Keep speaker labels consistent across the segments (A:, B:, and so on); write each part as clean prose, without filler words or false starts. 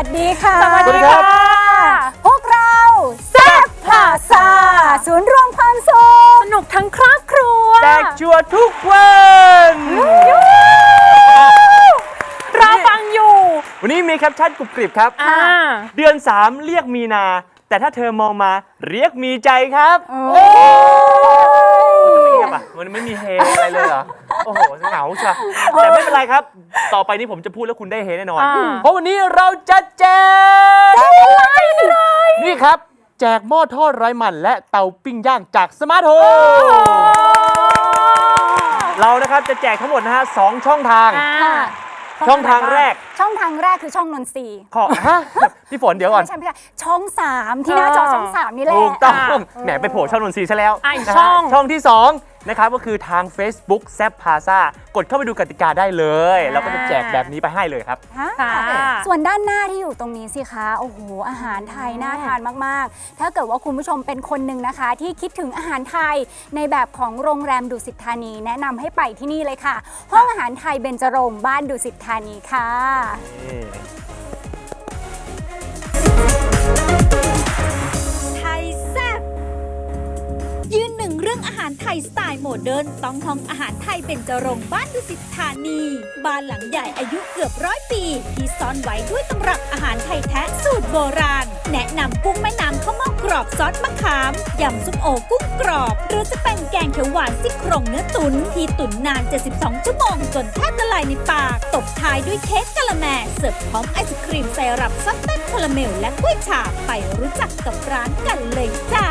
A: สดีค่ะ
B: สวัสดีครับ
A: พวกเราแซ่บพลาซ่าศูนย์รวมความสุขสนุกทั้งครอบครัว
B: แจกชัวร์ทุกวัน
C: เราฟังอยู่
B: วันนี้มีแคปชั่นกรุบกริบครับ เดือน 3 เรียกมีนา แต่ถ้าเธอมองมาเรียกมีใจครับโอ้ยเงียบอ่ะมันไม่มีเฮอะไรเลยเหรอ โอ้โหเหงาใช่แต่ไม่เป็นไรครับ ต่อไปนี้ผมจะพูดแล้วคุณได้เฮแน่นอน เพราะวันนี้เราจะแจกนี่ครับ แจกหม้อทอดไร้มันและเตาปิ้งย่างจากสมาร์ทโฮมเรานะครับจะแจกทั้งหมดนะฮะ2 ช่องทาง ช่องทางแรก
A: ช่องทางแรกคือช่องนนทรีย์
B: ขอฮะพี่ฝนเดี๋ยวก่อน
A: ไม่ใช่ช่อง 3 ที่หน้าจอช่อง 3 นี่แหละ
B: ถูกต้องแหมไปโผล่ช่องนนทรีย์ซะแล้ว
C: อีก
B: นะฮะ
C: ช่อง
B: ช่องที่ 2 นะครับก็คือทาง Facebook แซบพาซากดเข้าไปดูกติกาได้เลยเราก็จะแจกแบบนี้ไปให้เลยครับ
C: ค่ะ
A: ส่วนด้านหน้าที่อยู่ตรงนี้สิคะโอ้โหอาหารไทยน่าทานมากๆ ถ้าเกิดว่าคุณผู้ชมเป็นคนหนึ่งนะคะ ที่คิดถึงอาหารไทยในแบบของโรงแรมดุสิตธานี แนะนำให้ไปที่นี่เลยค่ะ ห้องอาหารไทยเบญจรงค์บ้านดุสิตธานีค่ะ
D: ไทยแซ่บยืนหนึ่งเรื่องอาหารไทยสไตล์โมเดิร์นต้องห้องอาหารไทยเบญจรงค์บ้านดุสิตธานีบ้านหลังใหญ่อายุเกือบ100 ปี ที่ซ่อนไว้ด้วยตำรับอาหารไทยแท้สูตรโบราณ แนะนำกุ้งแม่น้ำข้าวเม่ากรอบซอสมะขามยำซุปโอกุ้งกรอบ หรือจะเป็นแกงเขียวหวานซี่โครงเนื้อตุ๋นที่ตุ๋นนาน 72 ชั่วโมงจนแทบละลายในปากตบท้ายด้วยเค้กกะละแมเสิร์ฟพร้อมไอศครีมไซรัปซัตเต้นคาราเมลและกล้วยฉาบไปรู้จักกับร้านกันเลยจ้า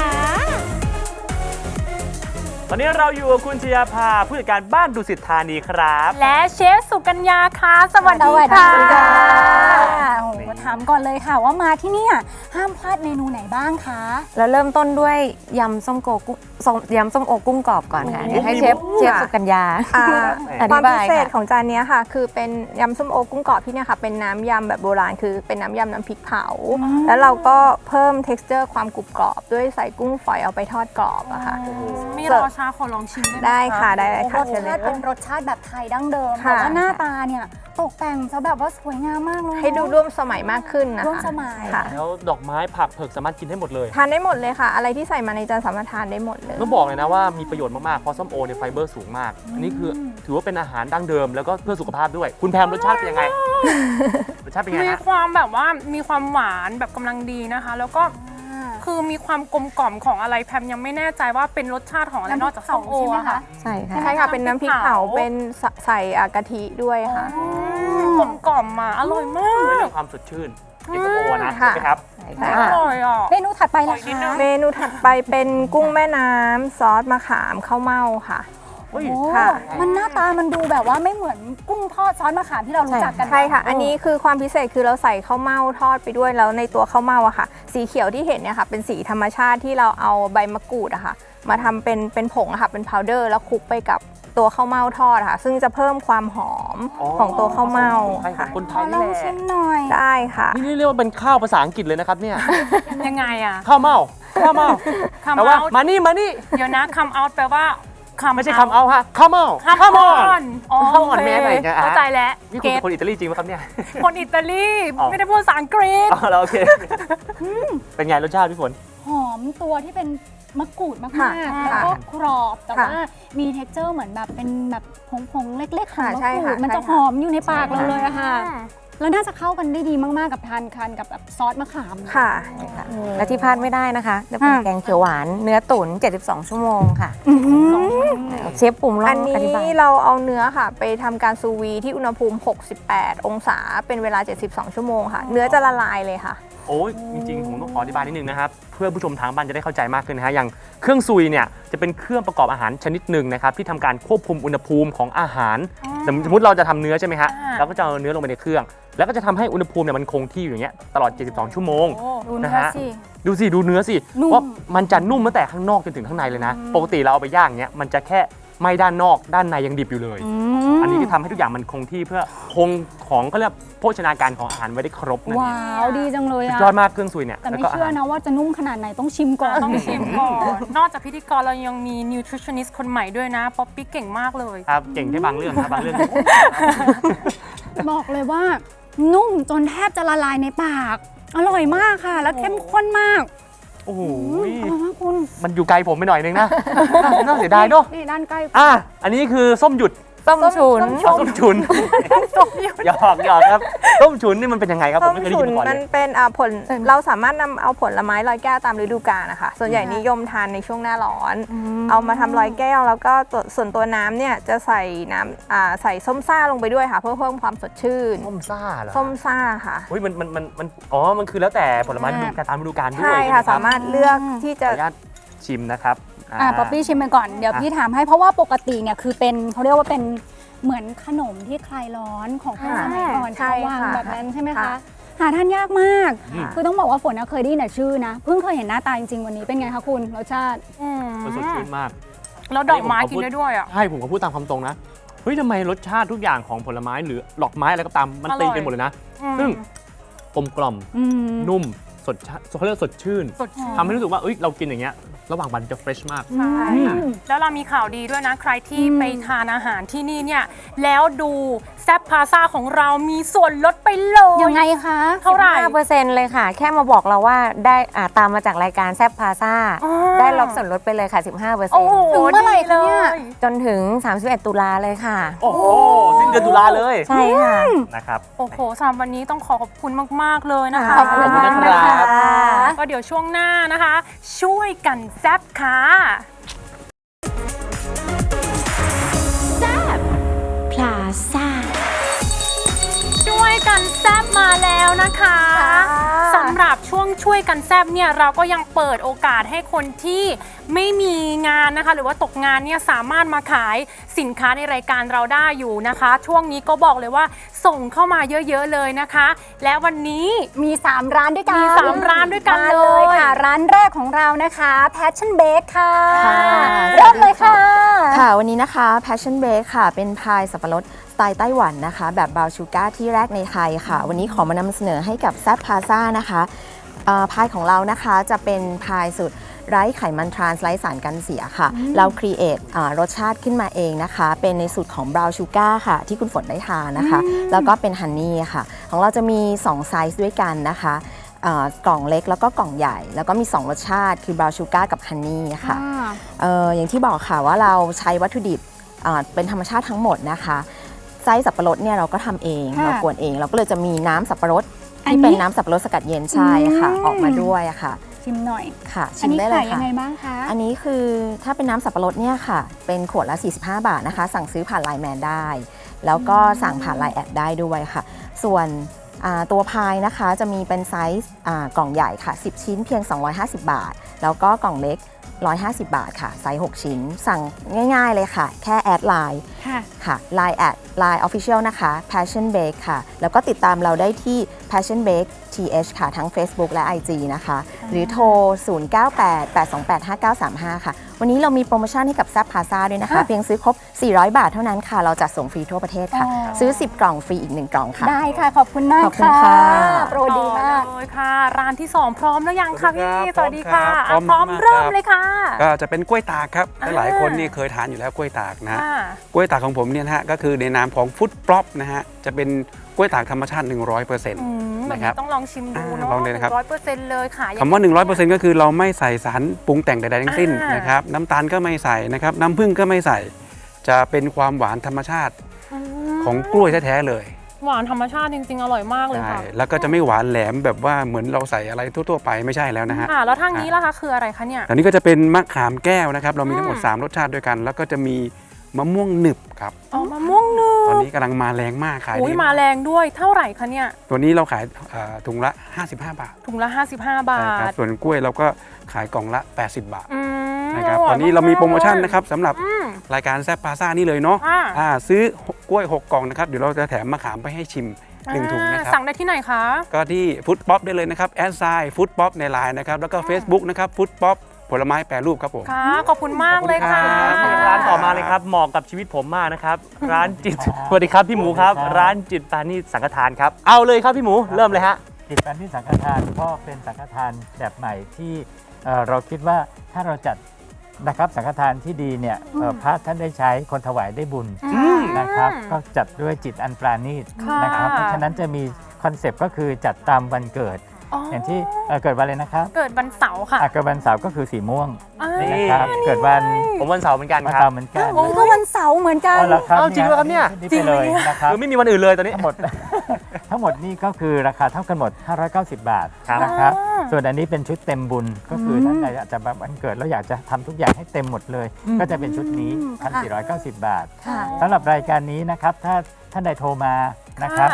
B: ตอนนี้เราอยู่กับคุณชยาภาผู้จัดการบ้านดุสิตธานีครับ
C: และเชฟสุกัญญาค่ะสวัสดี
A: สวัสดี
C: ค่ะ
A: ค่ะโอ้โหถามก่อนเลยค่ะว่ามาที่เนี่ยห้ามพลาดเมนูไหนบ้างคะ
E: แล้วเริ่มต้นด้วยยำส้มโอกุ้งกรอบก่อนค่ะเดี๋ยวให้เชฟสุกัญญา อ
F: ควา
E: ธิ
F: ม
E: บา
F: พิ
E: ย
F: เศษ
E: ค่ะ
F: ของจานเนี้ยค่ะ คือเป็นยำส้มโอกุ้งกรอบที่เนี่ยค่ะเป็นน้ำยำแบบโบราณคือเป็นน้ำยำน้ำพริกเผา แล้วเราก็เพิ่ม texture ความกรุบกรอบด้วยใส่กุ้งฝอยเอาไปทอดกรอบอะค่ะ
C: ไม่รอช้าขอลองชิมได้ไหม
F: ได้ค่ะได้
A: ร
F: ค่ะ
A: ส
F: เชิญเล
A: ชาย ติเป็นรสชาติแบบไทยดั้งเดิม
F: ค่ะ
A: แต่ว่าหน้าตาเนี่ยตกแต่งซะแบบว่าสวยงามมากเลย
F: ให้ดูร่วมสมัยมากขึ้นนะคะ
A: ร่วมสมัย
F: ค่ะ
B: แล้วดอกไม้ผักเผือกสามารถกินได้หมดเลย
F: ทานได้หมดเลยค่ะ อะไรที่ใส่มาในจานสามารถทานได้หมดเลย
B: ต้องบอกเลยนะว่ามีประโยชน์มากๆเพราะส้มโอเนี่ยไฟเบอร์สูงมาก อันนี้คือถือว่าเป็นอาหารดั้งเดิมแล้วก็เพื่อสุขภาพด้วย คุณแพมรสชาติเป็นยังไง รสชาติเป็นไง
C: มี
B: ฮะ
C: ความแบบว่ามีความหวานแบบกำลังดีนะคะ แล้วก็คือมีความกลมกล่อมของอะไรแพมยังไม่แน่ใจว่าเป็นรสชาติของอะไรนอกจากส้มโอ
A: ใช่ไหม
C: อะ
A: คะ
C: ค่ะ
E: ใช่ค่ะ
F: ใช่ค่ะ เป็นน้ำพริกเผา เป็นใส่กะทิด้วยค่ะ
C: กลมกล่อมอ่ะอร่อยมา
B: ด้วย
C: ก
B: เรื่องความสดชื่นในส้มโอนะ
F: ค่ะ
B: ใช่ไหมครับ
F: ใช่
C: อ
F: ค่ะ
C: ร่อยอ่ะ
A: เมนูถัดไปล่ะ
C: ขออีกนิดนึ
A: คะ
C: ง
F: เมนูถัดไปเป็นกุ้งแม่น้ำซอสมะขามข้าวเม่าค่ะ
B: เฮ้ย
A: โอ้
F: ค่ะ
A: มันหน้าตามันดูแบบว่าไม่เหมือนกุ้งทอดซอสมะขามที่เรารู้จักกัน
F: ใช่ค่ะ อันนี้คือความพิเศษคือเราใส่ข้าวเม่าทอดไปด้วย แล้วในตัวข้าวเม่าอะค่ะ สีเขียวที่เห็นเนี่ยค่ะ เป็นสีธรรมชาติที่เราเอาใบมะกรูดอะค่ะ มาทำเป็นผงอะค่ะ เป็นพาวเดอร์ แล้วคลุกไปกับตัวข้าวเม่าทอดอะค่ะ ซึ่งจะเพิ่มความหอม
B: อ๋อ
F: ของตัวข้าวเม่า
B: ใช่ขอ
F: ค่ะ
B: งคนไท
A: ขอย ล
B: นี่
A: อง
B: แหละ
A: ชิมหน่อย
F: ได้ค่ะ
B: นี่เรียกว่าเป็นข้าวภาษาอังกฤษเลยนะครับเนี่ย
C: ยังไงอ่ะ
B: ข้าวเม่าข้าวเม่า
C: come
B: แต่ว่า
C: out
B: มานี่มานี่
C: เดี๋ยวนะ come out แปลว่า come
B: ไม่ใช่คำเอาฮะข้าวเม่า
C: come
B: อน
C: on อ๋อ
B: come on
C: โอเค
B: แม่หน่อยนะฮะ
C: เข้าใจแล้ว
B: นี่คุณ
C: เก็
B: เป็
C: ต
B: นคนอิตาลีจริงไหมครับเนี่ย
C: คนอิตาลี
B: อ๋อ
C: ไม่ได้พูดภาษาอังกฤษ
B: อ๋อแล้วโอเค เป็นไงรสชาติพี่ฝน
A: หอมตัวที่เป็นมะกรูดมาก
F: ค่ะ
A: ๆแล้วก็กรอบ แต่
F: ค่ะ
A: ว่ามีเท็กเจอร์เหมือนแบบเป็นแบบผงๆเล็กๆของ
F: ค่ะ
A: มะ
F: ใช่
A: กรู
F: ค่ะ
A: ดมันจะ
F: ใช่
A: ห
F: ค่ะ
A: อมอยู่ในปากเรา
F: ใช่ค่ะ
A: เลยอะค่ะ แล้วน่าจะเข้ากันได้ดีมากๆกับทานกับแบบซอสมะขาม
F: ค่ะ
E: และที่พลาดไม่ได้นะคะจะเป็นแกงเขียวหวานเนื้อตุ๋น72 ชั่วโมงค่ะเชฟปุ่มลอ
F: อั
E: ง
F: น
E: อธิบาย
F: นี้เราเอาเนื้อค่ะ ไปทำการซูวีที่อุณหภูมิ 68 องศา เป็นเวลา 72 ชั่วโมงค่ะ เนื้อจะละลายเลยค่ะ
B: โอ้ยจริงๆผมต้องขออธิบายนิดนึงนะครับเพื่อผู้ชมทางบ้านจะได้เข้าใจมากขึ้นนะฮะอย่างเครื่องซุยเนี่ยจะเป็นเครื่องประกอบอาหารชนิดหนึ่งนะครับที่ทำการควบคุมอุณหภูมิของอาหารสมมติเราจะทำเนื้อใช่ไหมฮะเราก็จะเอาเนื้อลงไปในเครื่อง แล้วก็จะทำให้อุณหภูมิเนี่ยมันคงที่อยู่อย่างเงี้ยตลอด 72 ชั่วโมง
A: ดู
B: นะ
A: เนื้อ
B: ฮะ
A: สิ
B: ดูเนื้อสิ
A: นุ่ม
B: ว่ามันจะนุ่มตั้งแต่ข้างนอกจนถึงข้างในเลยนะ ปกติเราเอาไปย่างเงี้ยมันจะแค่ไหม้ด้านนอกด้านในยังดิบอยู่เลย อันนี้ก็ทำให้ทุกอย่างมันคงที่เพื่อคงของก็เรียกโภชนาการของอาหารไว้ได้ครบนั่นเอ
A: ว้าง วดีจังเลย
B: สุด
A: อะ
B: ยอดมากเครื่องซุยเนี่ย
A: แต่ไม่
B: แล้วก็า
A: เชื่อ
B: หาร
A: นะว่าจะนุ่มขนาดไหนต้องชิมก่อน
C: ต้องชิมก่อน นอกจากพิธีกรเรายังมี nutritionist คนใหม่ด้วยนะ ป๊อปปี้เก่งมากเลย
B: ครับเก่งแค่บางเรื่องครับบางเรื่อง
A: บอกเลยว่านุ่มจนแทบจะละลายในปาก อร่อยมากค่ะ แล้วเข้มข้นมาก
B: โอ้โห
A: อร่อยมากคุณ
B: มันอยู่ไกลผมไปหน่อยนึงนะ น่าเสียดายเนาะ
A: นี่ด้านใกล้
B: อันนี้คือส้มหยุด
E: ส้มฉุน
B: ส้มฉุนหยอกครับส้มฉุนนี่มันเป็นยังไงครับผ
F: ส้
B: ม
F: ม
B: ไม่เคยได้
F: ฉุ
B: ยิ
F: น
B: นมาก่อน
F: มั
B: เล
F: น
B: ย
F: เป็นผลเราสามารถนำเอาผลไม้ลอยแก้วตามฤดูกาลนะคะส่วนใหญ่นิยมทานในช่วงหน้าร้อน เอามาทำลอยแก้วแล้วก็ส่วนตัวน้ำเนี่ยจะใส่น้ำใส่ส้มซ่าลงไปด้วยค่ะ เพื่อเพิ่มความสดชื่น
B: ส้มซ่าเหรอ
F: ส้มซ่าค่ะ
B: เฮ้ยมันมันคือแล้วแต่ผลไม้ฤดูกาลตามฤดูกาลด้วย
F: ใช่
B: ไห
F: ค่ะ
B: รับ
F: สามารถเลือกที่
B: ข
F: จะ
B: ออนุญาตชิมนะครับ
A: ป๊อปปี้ชิมไปก่อน เดี๋ยวพี่ถามให้ เพราะว่าปกติเนี่ยคือเป็นเขาเรียกว่าเป็นเหมือนขนมที่คลายร้อนของคนสมัยก่อน
F: ใช่
A: ชาววัง
F: ค่ะ
A: แบบนั้นใช่ไหมคะ
F: ค่ะ
A: หาทานยากมาก
B: อืม
A: คือต้องบอกว่าฝนเคยได้ยินแต่ชื่อนะ เพิ่งเคยเห็นหน้าตาจริงๆวันนี้เป็นไงคะคุณรสชาติ
B: มันสดชื่นมาก
C: แล้วดอกไม้กินได้ด้วยอ่ะ
B: ใช่ผมก็พูดตามความตรงนะ เฮ้ยทำไมรสชาติทุกอย่างของผลไม้หรือดอกไม้อะไรก็ตามมัน
C: อร่อย
B: ตีกันหมดเลยนะ ซึ่งกลมกล่อม
A: อืม
B: นุ่มสดชื่นเขาเรียกว่าสดชื่น
C: สดชื่น
B: ทำให้รู้สึกว่าเอ้ยเรากินอย่างเงี้ยระหว่างวันจะเฟรชมาก
C: ใช่ค่ะ
B: อืม
C: แล้วเรามีข่าวดีด้วยนะ ใครที่ไปทานอาหารที่นี่เนี่ย แล้วดูแซ่บพาซาของเรามีส่วนลดไปเลย
A: ยังไงคะ
C: เท่าไหร่
E: 15%เลยค่ะ แค่มาบอกเราว่าได้ตามมาจากรายการแซบพาซา
C: อ๋อ
E: ได้รับส่วนลดไปเลยค่ะ
C: โอ้โห
A: ถึงเมื่อไหร่คะเนี่ย
C: ดีล
E: 15%จนถึง 31 ตุลาเลยค่ะ
B: โอ้โหสิ้นเดือนตุลาเลย
E: ใช่ค่ะ
B: นะครับ
C: โอ้โหสำหรับวันนี้ต้องขอบคุณมาก ๆ เลยนะคะ
A: ขอบคุณมากนะคะ
C: ก็เดี๋ยวช่วงหน้านะคะ ช่วยกันแซ่บค่ะ
D: พลาซ่า
C: ช่วยกันแซบมาแล้วนะคะสำหรับช่วงช่วยกันแซบเนี่ยเราก็ยังเปิดโอกาสให้คนที่ไม่มีงานนะคะ หรือว่าตกงานเนี่ยสามารถมาขายสินค้าในรายการเราได้อยู่นะคะ ช่วงนี้ก็บอกเลยว่าส่งเข้ามาเยอะๆเลยนะคะ และวันนี้
A: มี 3 ร้านด้วยกัน
C: มี3ร้านด้วยกัน
A: มา
C: เลย
A: ค่ะ ร้านแรกของเรานะคะ Passion Bake ค่ะ
G: ค่ะ
A: เริ่มเลยค่ะ
G: ค่ะวันนี้นะคะ Passion Bake ค่ะ เป็นพายสับปะรดสไตล์ไต้หวันนะคะ แบบบราวน์ชูการ์ที่แรกในไทยค่ะ วันนี้ขอมานำเสนอให้กับแซ p พาซ่านะคะพายของเรานะคะจะเป็นพายสูตรไร้ไขมันทรานส์ไร้สารกันเสียค่ะ เราครีเอทรสชาติขึ้นมาเองนะคะ เป็นในสูตรของบราวน์ชูการ์ค่ะ ที่คุณฝนได้ทานนะคะ แล้วก็เป็นฮันนี่ค่ะ ของเราจะมี 2 ไซส์ด้วยกันนะคะกล่องเล็กแล้วก็กล่องใหญ่ แล้วก็มี 2 รสชาติคือบราวน์ชูการ์กับฮันนี่ค่ะ อย่างที่บอกค่ะว่าเราใช้วัตถุดิบเป็นธรรมชาติทั้งหมดนะคะไส้สับปะรดเนี่ยเราก็ทำเอง
A: ค่ะ
G: เรากวนเองเราก็เลยจะมีน้ำสับปะรด
A: อัน
G: ที่
A: นี้
G: เป็นน้ำสับปะรดสกัดเย็นใช่ค่ะ ออกมาด้วยค่ะ
A: ชิมหน่อย
G: ค่ะ
A: อั
G: ชิ
A: น
G: ม
A: นี้
G: ได้เล
A: ขาย
G: ย
A: ยั
G: ค่ะ
A: งไงบ้างคะ
G: อันนี้คือถ้าเป็นน้ำสับปะรดเนี่ยค่ะ เป็นขวดละ 45 บาทนะคะ สั่งซื้อผ่านไลน์แมนได้ แล้วก็สั่งผ่านไลน์แอดได้ด้วยค่ะ ส่วนตัวพายนะคะจะมีเป็นไซส์กล่องใหญ่ค่ะ 10 ชิ้นเพียง 250 บาท แล้วก็กล่องเล็ก 150 บาทค่ะไซส์6ชิ้น สั่งง่ายๆเลยค่ะ แค่แอดไลน์
A: ค่ะ
G: ค่ะ Line แอด Line Official นะคะ Passion Bake ค่ะ แล้วก็ติดตามเราได้ที่ Passion Bake TH ค่ะ ทั้ง Facebook และ IG นะคะ หรือโทร 0988285935 ค่ะ วันนี้เรามีโปรโมชั่นให้กับแซ p พาซาด้วยนะคะ เพียงซื้อครบ 400 บาทเท่านั้นค่ะ เราจัดส่งฟรีทั่วประเทศค่ะ
A: อ๋อ
G: ซื้อ 10 กล่องฟรีอีก 1 กล่องค่ะ
A: ได้ค่ะ ขอบคุณมาก
G: ขอบคุณค่ะ
A: โปรดีมาก
C: ต่อเลยค่ะ ร้านที่ 2 พร้อมแล้วยังคะพี่
H: พร้อมครับ
C: สวัสดีค่ะ
H: พร้อม
C: พร้อม
H: มากๆ
C: เริ่ม
H: ครับ
C: เลยค่ะ
H: ก็จะเป็นกล้วยตากครับ
C: อ่า
H: หลายๆคนนี่เคยทานอยู่แล้วกล้วยตากนะฮะ
C: ค่ะ
H: กล้วยตากของผมเนี่ยนะฮะก็คือในนามของฟุตปลอปนะฮะจะเป็นกล้วยตากธรรมชาติ 100%
C: อืมแบบ
H: นะครับ
C: นี้ต้องลองชิมดูเนาะ
H: ลองเลยนะครับ
C: 100%เลยค่ะ
H: คำว่า 100%ก็คือเราไม่ใส่สารปรุงแต่งใดๆทั้งสิ้น
C: อ่าน
H: นะครับน้ำตาลก็ไม่ใส่นะครับน้ำผึ้งก็ไม่ใส่ จะเป็นความหวานธรรมชาติของกล้วยแท้ๆเลย
C: หวานธรรมชาติจริง ๆ อร่อยมากเลย
H: ใช่
C: ค่ะ
H: แล้วก็จะไม่หวานแหลมแบบว่าเหมือนเราใส่อะไรทั่วๆไปไม่ใช่แล้วนะฮะ
C: ค่ะ แล้วทางนี้ล่ะคะคืออะไรคะเนี่ย
H: อันนี้ก็จะเป็นมะขามแก้วนะครับ เรามีทั้งหมด
C: อืม
H: 3 รสชาติด้วยกัน แล้วก็จะมีมะม่วงหนึบครับ
C: อ๋อมะม่วงหนึ
H: ตอน
C: บ
H: นี้กำลังมาแรงมากขาย
C: อุ้ย
H: ดี
C: มาแรงด้วยเท่าไหร่คะเนี่ย
H: ตัวนี้เราขายถุงละ 55 บาท
C: ถุงละ 55 บา
H: ใช่ครับ
C: ท
H: ส่วนกล้วยเราก็ขายกล่องละ 80 บาท
C: อืม
H: นะครับ
C: ร่ย
H: ตอนนี้เรามีโปรโมชั่น
C: ากๆ
H: นะครับสำหรับ
C: อืม
H: รายการแซ่บพาซ่านี่เลยเนาะ
C: อ่า
H: ซื้อกล้วย 6 กล่องนะครับ เดี๋ยวเราจะแถมมะขามไปให้ชิม 1 ถุงนะครับ
C: สั่งได้ที่ไหนคะ
H: ก็ที่ฟุตป๊อปได้เลยนะครับแอดไซน์ฟุตป๊อปในไลน์นะครับแล้วก็ Facebook นะครับฟุตป๊อปผลไม้แปรรูปครับผม
C: ค่ะ ขอบคุณมากเลยค่ะ
H: ขอบคุณครับ
B: ร้านต่อมาเลยครับเหมาะกับชีวิตผมมากนะครับ ร้านจิต สวัสดีครับพี่หมูครับ ร้านจิตปานีสังฆทานครับ เอาเลยครับพี่หมูเริ่มเลยฮะ
I: จิตปานีสังฆทานก็เป็นสังฆทานแบบใหม่ที่เราคิดว่าถ้าเราจัดนะครับสังฆทานที่ดีเนี่ยพระท่านได้ใช้คนถวายได้บุญนะครับก็จัดด้วยจิตอันปราณีต
C: ค่ะ
I: นะครับเพราะฉะนั้นจะมีคอนเซปต์ก็คือจัดตามวันเกิด อย่างที่เกิดวันอะไรนะครับ
C: เกิดวันเสาร์ค่ะ
I: เกิดวันเสาร์ก็คือสีม่วง
B: นี่
I: นะครับเกิดวัน
B: ผมวันเสาร์เหมือนกัน
I: วัน
B: ครั
I: เสา
B: บ
I: ร์เหมือนกัน
A: โอ้ยก็วันเสาร์เหมือนกัน
I: เอาละครับ
B: เอาจริงเหรอครับเนี่ย
I: นี่ไปเลยนะครับ
B: คือไม่มีวันอื่นเลยตอนนี้
I: ทั้งหมด ทั้งหมดนี่ก็คือราคาเท่ากันหมด 590 บาท
B: ครับ
I: นะครับ ส่วนอันนี้เป็นชุดเต็มบุญ ก็คือท่านใดอาจจะแบบวันเกิดแล้วอยากจะทำทุกอย่างให้เต็มหมดเลย ก็จะเป็นชุดนี้ 1,490 บาท
A: ค่ะ
I: สำหรับรายการนี้นะครับ ถ้าท่านใดโทรมานะครับ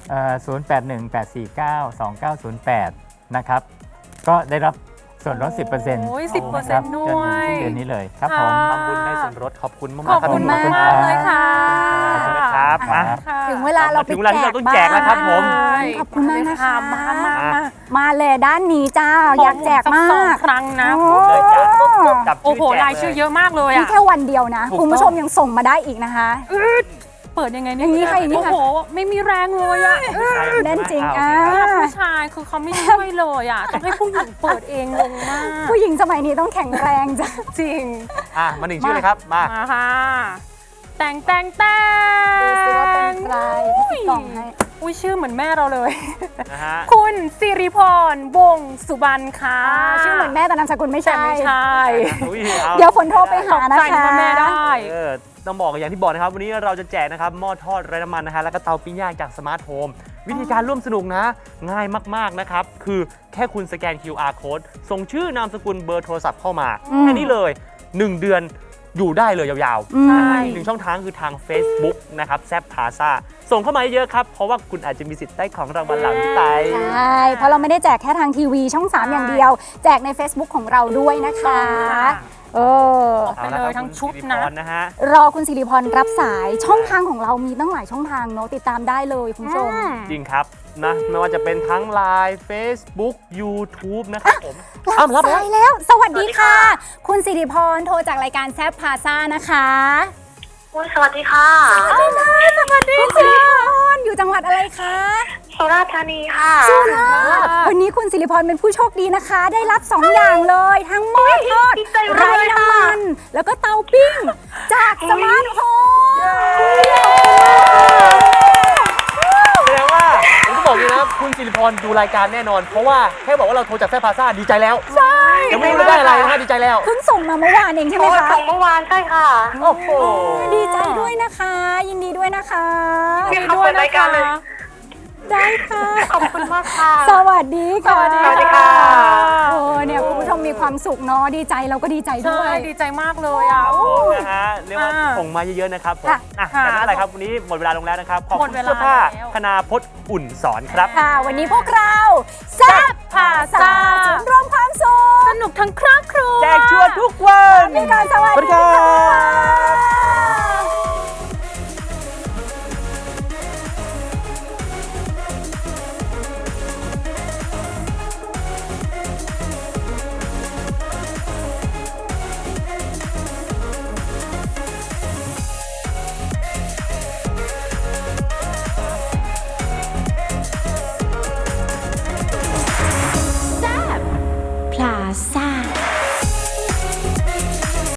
I: 0818492908 นะครับ ก็ได้รับส่วนลด 10%
C: โอ้ย 10%
I: นะครับ
C: ด้วย
I: จนถึงสิ้นเดือนนี้เลยครับผม
B: ทำบุญได้ส่วนลดขอบคุณมาก
C: ขอบ
B: ๆครับ
C: คุณ
B: พี่
C: มาก
B: ขอบ
C: เลยค่ะ
B: ขอบคุณนะครับ
I: ครับ
B: อ่ะ
A: ถึงเวลาเราไป
B: ถึงเวลาที่เราต้องแจกแล้วครับผม
A: ขอบคุณมากนะคะ
C: มา
A: มาเลยด้านนี้จ้า อยากแจกมา
C: สอง
A: ก
C: ครั้งนะ
A: โอ้
B: เลยจ้ะจับ
C: โอ้โห
B: แจก
C: รายชื่อเยอะมากเลย
A: นี่
C: อะ
A: แค่วันเดียวนะ
B: ถูกต้อง
A: คุณผู้ชมยังส่งมาได้อีกนะคะ
C: เปิดยังไง
A: อย่างนี้ค่ะอย่างนี้
C: โอ้
A: ค่ะ
C: โห ไม่มีแรงเลยอะ
A: แน่นจริง
B: อ่ะ
A: อ่ะ
C: ผู้ชายคือเขาไม่ช่วยเลยอะต้องให้ผู้หญิงเปิดเองงงมาก
A: ผู้หญิงสมัยนี้ต้องแข็งแรงจ้ะ
C: จริง
B: อ่ะมาหนึ่งชื่อเลยครับมา
C: มาค่ะ แต่ง
A: ดูสิว่าเป็นใครที่กล่องให้
C: อุ้ยชื่อเหมือนแม่เราเลย
B: นะฮะ
C: คุณสิริพรวงศ์สุบรรณค่ะ
A: ชื่อเหมือนแม่แต่นามสกุลไม่
C: แต่
A: ใช่
C: ไม่ใช่
B: อุ๊อา
A: เดี๋ยวฝนโทรไปหานะ
C: ใจ
A: คะ
C: ว่าแม่ได้
B: ต้องบอกอย่างที่บอกนะครับ วันนี้เราจะแจกนะครับหม้อทอดไร้น้ำมันนะฮะแล้วก็เตาปิ้งย่างจากสมาร์ทโฮมวิธีการร่วมสนุกนะ ง่ายมากๆนะครับ คือแค่คุณสแกน QR code ส่งชื่อนามสกุลเบอร์โทรศัพท์เข้ามาแค่นี้เลย 1 เดือนอยู่ได้เลยยาวๆนะฮะอีกหนึ่งช่องทางคือทาง Facebook นะครับแซบพาซาส่งเข้ามาเยอะครับ เพราะว่าคุณอาจจะมีสิทธิ์ได้ของรางวัลหลังที่ไป
A: ใช่ เพราะเราไม่ได้แจกแค่ทางทีวีช่อง 3 อย่างเดียว แจกใน Facebook ของเราด้วยนะคะ เออ
C: ไปเลยทั้งชุดนะ
B: นะฮะ
A: รอคุณสิริพรรับสายช่องทางของเรามีตั้งหลายช่องทางเนอะติดตามได้เลยคุณผู้ชม
B: จริงครับนะไม่ว่าจะเป็นทั้ง Line Facebook YouTube นะครับผมอ้าวรับ
A: สายแล้ว สวัสดีค่ะ คุณสิริพรโทรจากรายการแซฟพาซ่านะคะ
J: สวัสดีค่ะ
A: สวัสดีคุณสิริพรอยู่จังหวัดอะไรคะ
J: สุราษฎร์ธานีค่ะ
A: สุราษฎร์วันนี้คุณสิริพรเป็นผู้โชคดีนะคะ ได้รับ 2 อย่างเลย ทั้งหม้อทอด
J: ดีใจมาก
A: ไร้
J: เลยค่ะ
A: น้ำมัน แล้วก็เตาปิ้ง จากสมาร์ทโฮม
B: แสดงว่าผมก็บอกเลยนะคุณสิริพรดูรายการแน่นอน เพราะว่าแค่บอกว่าเราโทรจากแซฟพาซ่าดีใจแล้ว
A: ใช่
B: ยังไม่รู้ได้อะไรนะฮะดีใจแล้ว
A: เพิ่งส่งมาเมื่อวานเองใช่ไหมคะ
J: ส่งเมื่อวานใช่ค่ะ
B: โอ้โห
A: ดีใจด้วยนะคะ ยินดีด้วยนะคะ
J: ยินดีด้วยนะคะ
A: ได้ค่ะ
J: ขอบคุณมากค่ะ
A: สวัสดีค่ะ
J: สวัสดีค่ะ
A: โอ้เนี่ยคุณผู้ชมมีความสุขเนาะดีใจเราก็ดีใจด้
C: ใช่
A: วย
C: ดีใจมากเลยอ่ะ
B: นะฮะเรียกว่าส่งมาเยอะๆนะครับผม
A: ค่ะ
B: อ่ะแต่ไม่เป็นไรครับวันนี้หมดเวลาลงแล้วนะครับ ขอบ
C: หม
B: คุ
C: ด
B: ณ
C: เวลา
B: เสื้อผ้า
C: แล้ว
B: คณาพจน์อุ่นสอนครับ
A: ค่ะ วันนี้พวกเราแซ่บพาซาจุดรวมความสุข
C: สนุกทั้งครอบครัว
B: แจกชัวร์ทุกวัน
A: พี่การสวัส
B: สวัสดี
A: ดี
B: ครั
A: ค่ะ
D: พลาซ่า